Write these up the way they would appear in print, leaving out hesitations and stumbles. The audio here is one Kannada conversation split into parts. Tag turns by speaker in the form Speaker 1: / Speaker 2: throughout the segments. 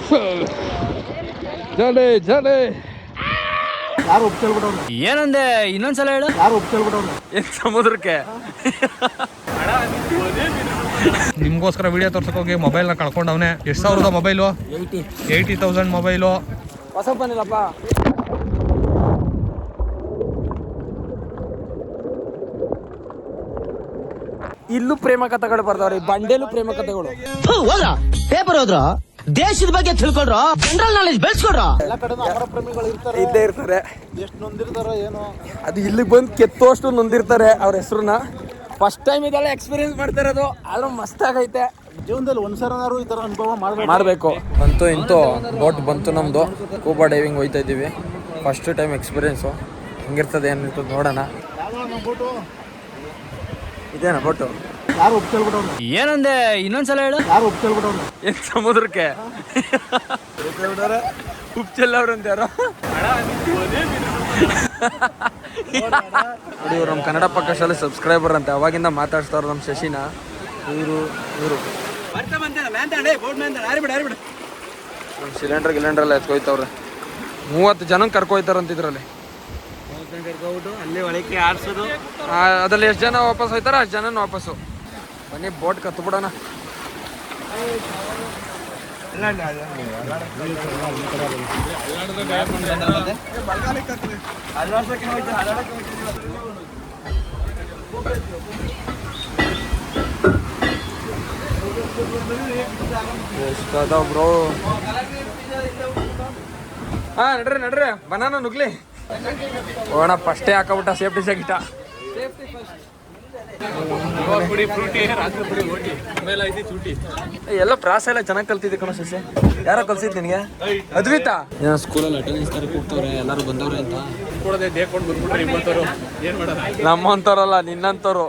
Speaker 1: ಜಲೆ ಜಲೆ
Speaker 2: ಯಾರು ಒಪ್ಕೊಳ್ಬಿಟ್ಟವ್ರು?
Speaker 3: ಏನಂದೆ ಇನ್ನೊಂದ್ಸಲ ಹೇಳು.
Speaker 2: ಯಾರು ಒಪ್ಕೊಳ್ಬಿಟ್ಟವ್ರು?
Speaker 3: ಸಮುದ್ರಕ್ಕೆ
Speaker 1: ನಿಮ್ಗೋಸ್ಕರ ವಿಡಿಯೋ ತೋರ್ಸಕ್ ಹೋಗಿ ಮೊಬೈಲ್ನ ಕಳ್ಕೊಂಡವನೆ. ಎಷ್ಟು ಸಾವಿರದ ಮೊಬೈಲು? 80,000 ಮೊಬೈಲು.
Speaker 3: ಹೊಸ ಬಂದಿಲ್ಲಪ್ಪ. ಇಲ್ಲೂ ಪ್ರೇಮ ಕಥೆಗಳು ಬರ್ತಾವ್ರಿ, ಬಂಡೇಲು ಪ್ರೇಮ ಕಥೆಗಳು.
Speaker 4: ಹೋದ್ರ ಪೇಪರ್ ಹೋದ್ರ ದೇಶದ ಬಗ್ಗೆ ತಿಳ್ಕೊಡ್ರ, ಜನರಲ್ ನಾಲೆಜ್ ಬೆಳೆಸ್ಕೊಡ್ರ.
Speaker 2: ಎಲ್ಲ ಕಡೆ ಅಮರ ಪ್ರೇಮಿಗಳು ಇರ್ತಾರೆ,
Speaker 3: ಇದ್ದೇ ಇರ್ತಾರೆ.
Speaker 2: ಎಷ್ಟು ನೊಂದಿರ್ತಾರೋ ಏನೋ.
Speaker 3: ಅದು ಇಲ್ಲಿಗೆ ಬಂದು ಕೆತ್ತೋಷ್ಟು ನೊಂದಿರ್ತಾರೆ ಅವ್ರ ಹೆಸರನ್ನ. ಫಸ್ಟ್ ಟೈಮ್ ಇದೆಲ್ಲ ಎಕ್ಸ್ಪೀರಿಯನ್ಸ್ ಮಾಡ್ತಾ ಇರೋದು, ಆದ್ರೂ ಮಸ್ತ್ ಆಗೈತೆ.
Speaker 2: ಜೀವನದಲ್ಲಿ ಒಂದ್ಸರನಾರು ಈ ತರ ಅನುಭವ
Speaker 3: ಮಾಡಬೇಕು. ಅಂತೂ ಇಂತೂ ಬೋಟ್ ಬಂತು ನಮ್ದು. ಸ್ಕೂಬಾ ಡೈವಿಂಗ್ ಹೋಯ್ತಾ ಇದ್ದೀವಿ. First time experience. ಹೆಂಗಿರ್ತದೆ ಏನಿರ್ತದೆ ನೋಡೋಣ. ಇದೇನಾ ಬೋಟು?
Speaker 2: ಯಾರು ಒಪ್ಕೊಳ್ಬಿಟ್ಟವ್ರು?
Speaker 3: ಏನಂದೆ ಇನ್ನೊಂದ್ಸಲ ಹೇಳು.
Speaker 2: ಯಾರು ಒಪ್ಕೊಳ್ಬಿಟ್ಟವ್ರು?
Speaker 3: ಸಮುದ್ರಕ್ಕೆ ಉಪ್ಚೆಲ್ಲವ್ರಂತ ಯಾರೋ. ನೋಡಿ ಇವ್ರು ನಮ್ಮ ಕನ್ನಡ ಪಕ್ಕ ಶಾಲೆ ಸಬ್ಸ್ಕ್ರೈಬರ್ ಅಂತೆ. ಅವಾಗಿಂದ ಮಾತಾಡ್ಸ್ತಾವ್ರು ನಮ್ಮ ಶಶಿನ. ಇವರು ನಮ್ಮ ಸಿಲಿಂಡರ್ ಎಲ್ಲ ಎತ್ಕೊಯ್ತವ್ರೆ. 30 ಜನ ಕರ್ಕೊಯ್ತಾರಂತಿದ್ರಲ್ಲಿ. ಅದ್ರಲ್ಲಿ ಎಷ್ಟು ಜನ ವಾಪಸ್ ಹೋಯ್ತಾರ ಅಷ್ಟು ಜನ ವಾಪಸ್ಸು. ಬನ್ನಿ ಬೋಟ್ ಕತ್ತು ಬಿಡೋಣ. ಬ್ರೋ ಹಾ ನಡ್ರಿ ಬನಾನ ನುಗ್ಲಿ ಹೋಗೋಣ. ಫಸ್ಟೇ ಹಾಕಬಿಟ್ಟ ಸೇಫ್ಟಿ ಜಾಕೆಟ. ಎಲ್ಲ ಪ್ರಾಸ ಎಲ್ಲ ಚೆನ್ನಾಗಿ ಕಲ್ತಿದ್ದೆ ಕಣ ಶಶಿ. ಯಾರೋ ಕಲ್ಸಿದ್ ನಿನಗೆ? ಅದ್ವಿತಾ ಸ್ಕೂಲಲ್ಲಿ ಅಟೆಂಡೆನ್ಸ್ ಕರೆಕ್ಟ್ ಹೋಗ್ತವ್ರೆ, ಎಲ್ಲರೂ ಬಂದವ್ರೆ ಅಂತ ನಮ್ಮಂತವ್ರಲ್ಲ ನಿನ್ನಂತವ್ರು.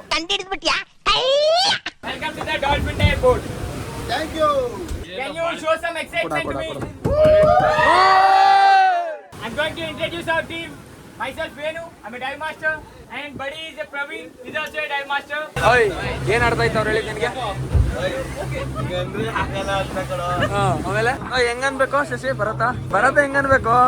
Speaker 5: I'm going to introduce our team. Myself Venu, I'm a dive master, and buddy is a Praveen, he's also a dive master.
Speaker 3: ಓಯ್ ಏನ್ ಆಡ್ತಾ ಇತ್ತವ್ರು ಹೇಳಿ ನಿನಗೆ? ಆಮೇಲೆ ಹೆಂಗನ್ಬೇಕು ಶಶಿ? ಭರತ ಹೆಂಗನ್ಬೇಕು?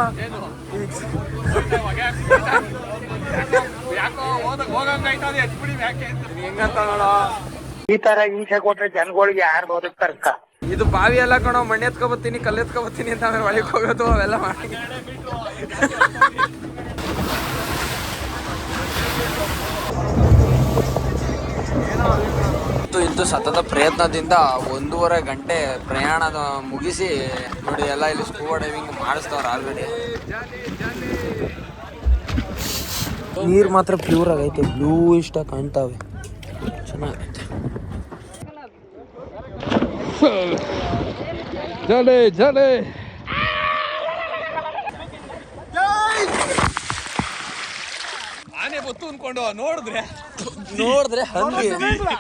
Speaker 3: ಹೆಂಗಂತ ನೋಡೋ.
Speaker 6: ಈ ತರ ಹಿಂಸೆ ಕೊಟ್ರೆ ಜನಗಳಿಗೆ ಯಾರು ಬದುಕ್ತಾರಕ್ಕ?
Speaker 3: ಇದು ಬಾವಿ ಎಲ್ಲ ಕಣೋ, ಮಣ್ಣು ಎತ್ಕೊಬತ್ತೀನಿ ಕಲ್ಲು ಎತ್ಕೊಬತ್ತೀನಿ ಅಂತ ಆಮೇಲೆ ಒಳಗೆ ಹೋಗೋದು ಅವೆಲ್ಲ ಮಾಡಿ. ಇಂತು ಸತತ ಪ್ರಯತ್ನದಿಂದ 1.5 ಗಂಟೆ ಪ್ರಯಾಣದ ಮುಗಿಸಿ ನೋಡಿ ಎಲ್ಲ ಇಲ್ಲಿ ಸ್ಕೂಬಾ ಡೈವಿಂಗ್ ಮಾಡಿಸ್ತವ್ರು ಆಲ್ರೆಡಿ. ನೀರು ಮಾತ್ರ ಪ್ಯೂರ್ ಆಗೈತೆ, ಬ್ಲೂ ಇಷ್ಟ ಕಾಣ್ತಾವೆ, ಚೆನ್ನಾಗೈತೆ.
Speaker 1: ಜಲೆ ಜಲೆ ಆನೆ ಬತ್ತು ಅನ್ಕೊಂಡು ನೋಡಿದ್ರೆ
Speaker 3: ಹಂಗೆ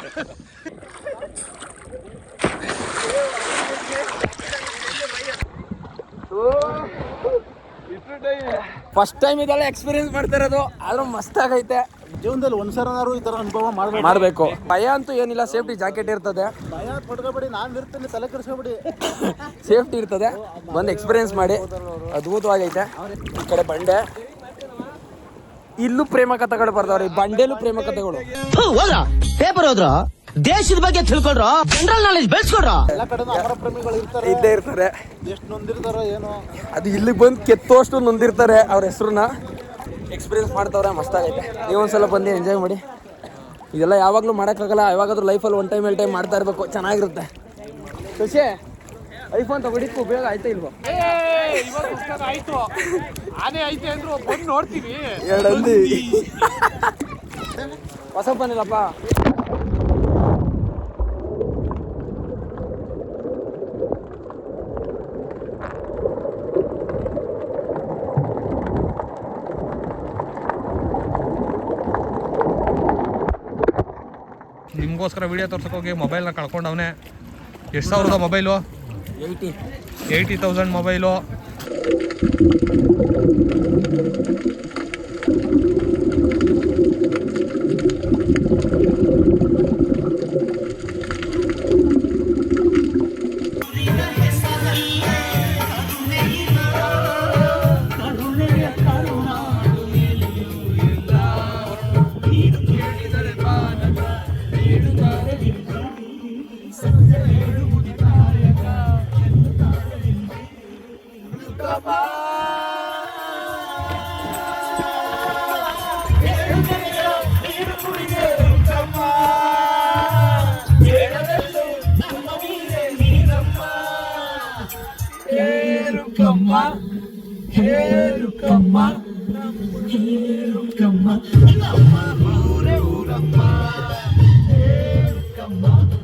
Speaker 3: ಫಸ್ಟ್ ಟೈಮ್ ಇದೆಲ್ಲ ಎಕ್ಸ್ಪೀರಿಯನ್ಸ್ ಮಾಡ್ತಾ ಇರೋದು, ಆದ್ರೂ ಮಸ್ತ್ ಆಗೈತೆ.
Speaker 2: ಜೀವನದಲ್ಲಿ ಒಂದ್ಸರನಾರು ಈ ತರ ಅನುಭವ
Speaker 3: ಮಾಡಬೇಕು. ಭಯ ಅಂತೂ ಏನಿಲ್ಲ, ಸೇಫ್ಟಿ ಜಾಕೆಟ್ ಇರ್ತದೆ.
Speaker 2: ಭಯ ಪಡ್ಕೋಬೇಡಿ, ನಾನು ಇರ್ತೀನಿ, ತಲೆ ಕೆಡಿಸ್ಕೋಬೇಡಿ.
Speaker 3: ಸೇಫ್ಟಿ ಇರ್ತದೆ, ಬಂದು ಎಕ್ಸ್ಪೀರಿಯನ್ಸ್ ಮಾಡಿ. ಅದ್ಭುತವಾಗೈತೆ. ಈ ಕಡೆ ಬಂಡೆ, ಇಲ್ಲೂ ಪ್ರೇಮ ಕಥೆಗಳು ಬರ್ತಾವ್ರಿ, ಬಂಡೇಲು ಪ್ರೇಮ ಕಥೆಗಳು.
Speaker 4: ಹೋದ್ರ ಪೇಪರ್ ಹೋದ್ರ ದೇಶದ ಬಗ್ಗೆ ತಿಳ್ಕೊಡ್ರ, ಜನರಲ್ ನಾಲೆಜ್ ಬೆಳೆಸ್ಕೊಡ್ರ.
Speaker 2: ಎಲ್ಲ ಕಡೆ ಅಮರ ಪ್ರೇಮಿಗಳು ಇರ್ತಾರೆ,
Speaker 3: ಇದ್ದೇ ಇರ್ತಾರೆ.
Speaker 2: ಎಷ್ಟು ನೊಂದಿರ್ತಾರೋ ಏನೋ.
Speaker 3: ಅದು ಇಲ್ಲಿಗೆ ಬಂದು ಕೆತ್ತೋಷ್ಟು ನೊಂದಿರ್ತಾರೆ ಅವ್ರ ಹೆಸರನ್ನ. ಎಕ್ಸ್ಪೀರಿಯನ್ಸ್ ಮಾಡ್ತಾವ್ರೆ, ಮಸ್ತ್ ಆಗೈತೆ. ನೀವೊಂದ್ಸಲ ಬಂದು ಎಂಜಾಯ್ ಮಾಡಿ. ಇದೆಲ್ಲ ಯಾವಾಗಲೂ ಮಾಡೋಕ್ಕಾಗಲ್ಲ, ಯಾವಾಗಾದ್ರೂ ಲೈಫಲ್ಲಿ 1 ಟೈಮ್ ಮಾಡ್ತಾ ಇರಬೇಕು, ಚೆನ್ನಾಗಿರುತ್ತೆ. ಖುಷಿ ಐಫೋನ್ ತಗೊಂಡಿದ್ದು ಉಪಯೋಗ ಆಯ್ತಾ ಇಲ್ವೋ?
Speaker 1: ಆಯ್ತು, ಆನೆ ಐತೆ ಅಂದ್ರು ಬಂದು ನೋಡ್ತೀವಿ.
Speaker 3: 2 ಹಂದಿ ಹೊಸ ಬಂದಿಲ್ಲಪ್ಪ.
Speaker 1: ನಿಮ್ಗೋಸ್ಕರ ವಿಡಿಯೋ ತೋರ್ಸಕ್ ಹೋಗಿ ಮೊಬೈಲ್ನ ಕಳ್ಕೊಂಡವನೆ. ಎಷ್ಟು ಸಾವಿರದ ಮೊಬೈಲು? 80,000 ಮೊಬೈಲು.
Speaker 7: ಊರೇ ಊರಮ್ಮ